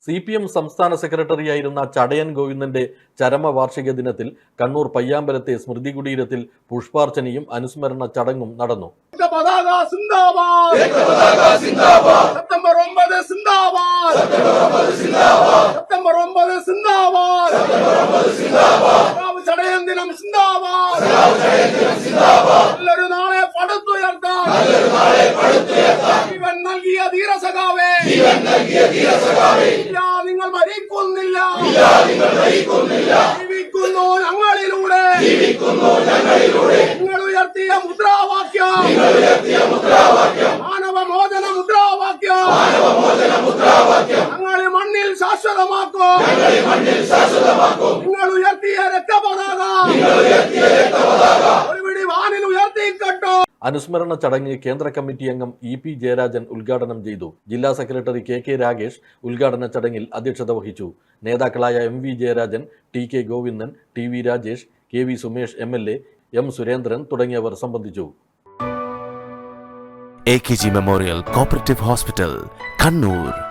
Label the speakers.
Speaker 1: CPM സംസ്ഥാന സെക്രട്ടറിയായിരുന്ന ചടയൻ ഗോവിന്ദന്റെ ചരമവാർഷിക ദിനത്തിൽ കണ്ണൂർ പയ്യാമ്പലത്തെ സ്മൃതി കുടീരത്തിൽ പുഷ്പാർച്ചനയും അനുസ്മരണ ചടങ്ങും നടന്നു.
Speaker 2: നിങ്ങൾ മരിക്കുന്നില്ല, ജീവിക്കുന്നു ഞങ്ങളിലൂടെ. നിങ്ങൾ ഉയർത്തിയ മുദ്രാവാക്യം മാനവമോചന മുദ്രാവാക്യം ഞങ്ങൾ മണ്ണിൽ ശാശ്വതമാക്കും. നിങ്ങൾ ഉയർത്തിയ രക്തപതാക ഒരുപിടി വാനിൽ ഉയർത്തിക്കട്ടോ.
Speaker 1: അനുസ്മരണ ചടങ്ങ് കേന്ദ്ര കമ്മിറ്റി അംഗം EP ജയരാജൻ ഉദ്ഘാടനം ചെയ്തു. ജില്ലാ സെക്രട്ടറി KK രാഗേഷ് ഉദ്ഘാടന ചടങ്ങിൽ അധ്യക്ഷത വഹിച്ചു. നേതാക്കളായ MV Jayarajan, TK Govindan, TV Rajesh, KV Sumesh MLA, M Surendran തുടങ്ങിയവർ സംബന്ധിച്ചു.
Speaker 3: AKG memorial cooperative hospital, Kannur.